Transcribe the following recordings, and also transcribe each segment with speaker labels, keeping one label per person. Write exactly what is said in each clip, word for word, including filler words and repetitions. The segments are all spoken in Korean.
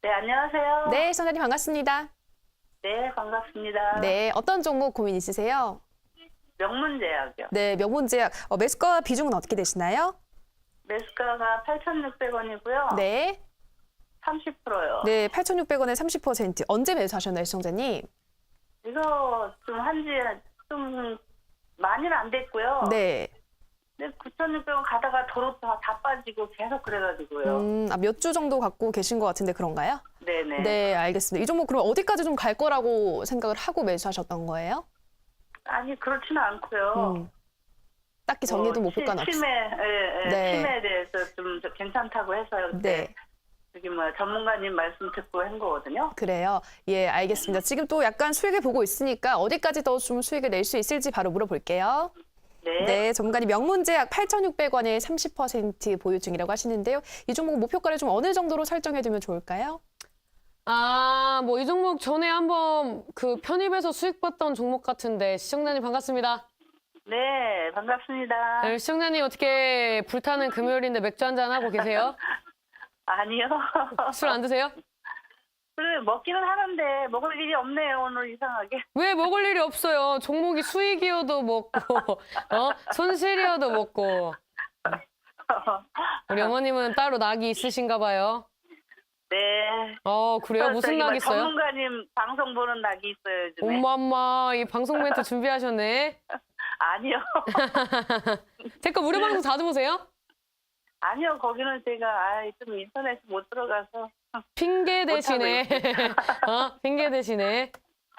Speaker 1: 네, 안녕하세요.
Speaker 2: 네, 시청자님 반갑습니다.
Speaker 1: 네, 반갑습니다.
Speaker 2: 네, 어떤 종목 고민 있으세요?
Speaker 1: 명문제약이요.
Speaker 2: 네, 명문제약. 어, 매수가 비중은 어떻게 되시나요?
Speaker 1: 매수가가 팔천육백 원이고요.
Speaker 2: 네.
Speaker 1: 삼십 퍼센트요.
Speaker 2: 네, 팔천육백 원에 삼십 퍼센트. 언제 매수하셨나요, 시청자님?
Speaker 1: 이거 좀 한지 좀 많이는 안 됐고요.
Speaker 2: 네.
Speaker 1: 근데 구천육백 원 가다가 도로 다, 다 빠지고 계속 그래가지고요.
Speaker 2: 음, 아, 몇 주 정도 갖고 계신 것 같은데 그런가요?
Speaker 1: 네네.
Speaker 2: 네, 알겠습니다. 이 종목 그럼 어디까지 좀 갈 거라고 생각을 하고 매수하셨던 거예요?
Speaker 1: 아니, 그렇지는 않고요.
Speaker 2: 음. 딱히 정해둔
Speaker 1: 뭐,
Speaker 2: 목표가는
Speaker 1: 치-
Speaker 2: 없어요.
Speaker 1: 치매, 예, 예,
Speaker 2: 네.
Speaker 1: 치매에 대해서 좀 괜찮다고 해서요. 그때
Speaker 2: 네.
Speaker 1: 저기 뭐 전문가님 말씀 듣고 한 거거든요.
Speaker 2: 그래요. 예, 알겠습니다. 지금 또 약간 수익을 보고 있으니까 어디까지 더 좀 수익을 낼 수 있을지 바로 물어볼게요.
Speaker 1: 네.
Speaker 2: 네, 전문가님 명문제약 팔천육백 원에 삼십 퍼센트 보유 중이라고 하시는데요. 이 종목 목표가를 좀 어느 정도로 설정해두면 좋을까요?
Speaker 3: 아, 뭐 이 종목 전에 한번 그 편입해서 수익 봤던 종목 같은데 시청자님 반갑습니다.
Speaker 1: 네, 반갑습니다.
Speaker 3: 네, 시청자님 어떻게 불타는 금요일인데 맥주 한잔 하고 계세요?
Speaker 1: 아니요.
Speaker 3: 술 안 드세요?
Speaker 1: 그래, 먹기는 하는데 먹을 일이 없네요, 오늘 이상하게.
Speaker 3: 왜 먹을 일이 없어요? 종목이 수익이어도 먹고, 어? 손실이어도 먹고. 우리 어머님은 따로 낙이 있으신가 봐요.
Speaker 1: 네.
Speaker 3: 어, 그래요? 무슨
Speaker 1: 저기
Speaker 3: 낙
Speaker 1: 뭐
Speaker 3: 있어요?
Speaker 1: 전문가님 방송 보는 낙이 있어요, 요즘에.
Speaker 3: 엄마, 엄마, 이 방송 멘트 준비하셨네.
Speaker 1: 아니요.
Speaker 3: 제 거 무료 방송 자주 보세요?
Speaker 1: 아니요, 거기는 제가 아, 좀 인터넷 못 들어가서.
Speaker 3: 핑계 대시네. 어? 핑계 대시네.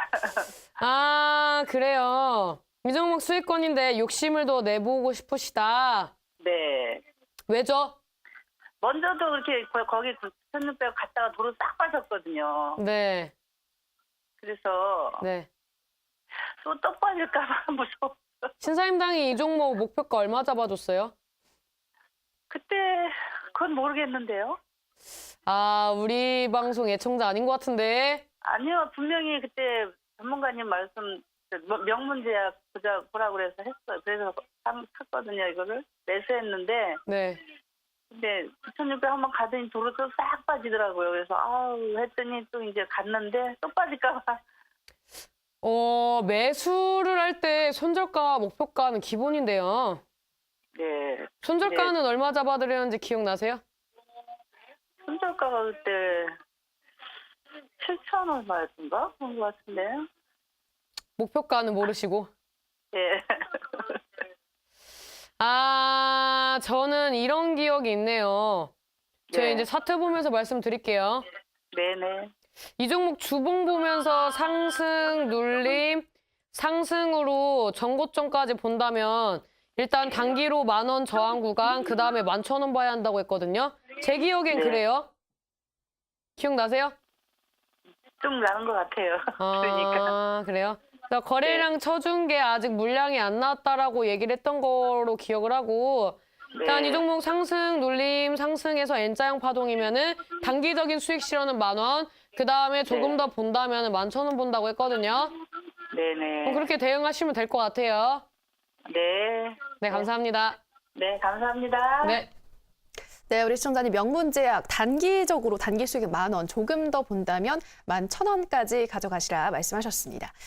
Speaker 3: 아, 그래요. 이 종목 수익권인데 욕심을 더 내보고 싶으시다.
Speaker 1: 네.
Speaker 3: 왜죠?
Speaker 1: 먼저도 그렇게 거- 거기 구천육백 원 갔다가 도로 싹 빠졌거든요.
Speaker 3: 네,
Speaker 1: 그래서
Speaker 3: 네.
Speaker 1: 또 떡 빠질까봐 무서워.
Speaker 3: 신사임당이 이 종목 목표가 얼마 잡아줬어요?
Speaker 1: 그때 그건 모르겠는데요.
Speaker 3: 아, 우리 방송 애청자 아닌 것 같은데.
Speaker 1: 아니요, 분명히 그때 전문가님 말씀 뭐 명문제약 보자 보라고 그래서 했어요. 그래서 사- 샀거든요, 이거를 매수했는데
Speaker 3: 네.
Speaker 1: 근데 구천육백 한번 가더니 도로 또 싹 빠지더라고요. 그래서 아우 했더니 또 이제 갔는데 또 빠질까봐.
Speaker 3: 어, 매수를 할 때 손절가 목표가는 기본인데요.
Speaker 1: 네,
Speaker 3: 손절가는 얼마 잡아드렸는지 기억나세요?
Speaker 1: 손절가가 그때 칠천 얼마였던가 그런 것 같은데.
Speaker 3: 목표가는 모르시고.
Speaker 1: 예.
Speaker 3: 아, 저는 이런 기억이 있네요. 제가
Speaker 1: 네.
Speaker 3: 이제 차트 보면서 말씀드릴게요.
Speaker 1: 네네.
Speaker 3: 이 종목 주봉 보면서 상승, 눌림, 상승으로 전고점까지 본다면 일단 단기로 만 원 저항 구간, 그 다음에 만 천 원 봐야 한다고 했거든요. 제 기억엔
Speaker 1: 네.
Speaker 3: 그래요. 기억나세요?
Speaker 1: 좀 나은 것 같아요. 그러니까.
Speaker 3: 아, 그래요? 나 거래량 쳐준 게 아직 물량이 안 나왔다라고 얘기를 했던 거로 기억을 하고 일단
Speaker 1: 네.
Speaker 3: 이 종목 상승, 눌림, 상승해서 N자형 파동이면은 단기적인 수익 실현은 만 원, 그 다음에 조금
Speaker 1: 네.
Speaker 3: 더 본다면 만 천 원 본다고 했거든요.
Speaker 1: 네네.
Speaker 3: 그럼 그렇게 대응하시면 될 것 같아요.
Speaker 1: 네.
Speaker 3: 네, 감사합니다.
Speaker 1: 네, 감사합니다.
Speaker 3: 네.
Speaker 2: 네, 우리 시청자님 명문제약 단기적으로 단기 수익 만 원, 조금 더 본다면 만 천 원까지 가져가시라 말씀하셨습니다.